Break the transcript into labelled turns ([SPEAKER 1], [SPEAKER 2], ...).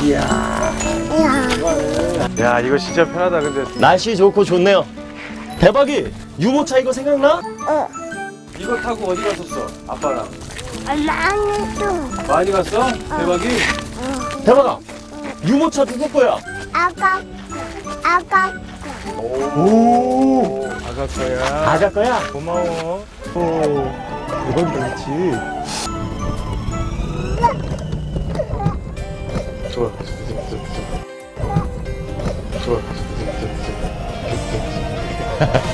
[SPEAKER 1] 이야.
[SPEAKER 2] 야, 이거 진짜 편하다. 근데
[SPEAKER 1] 날씨 좋고 좋네요. 대박이 유모차 이거 생각나?
[SPEAKER 2] 이거 타고 어디 갔었어? 아빠랑.
[SPEAKER 3] 나는
[SPEAKER 2] 많이 갔어? 대박이?
[SPEAKER 1] 대박아 유모차 누구 거야?
[SPEAKER 3] 아까
[SPEAKER 1] 오
[SPEAKER 2] 아가 거야.
[SPEAKER 1] 아가 거야?
[SPEAKER 2] 고마워.
[SPEAKER 1] 오 이건 그렇지.
[SPEAKER 2] 좋아. 좋아.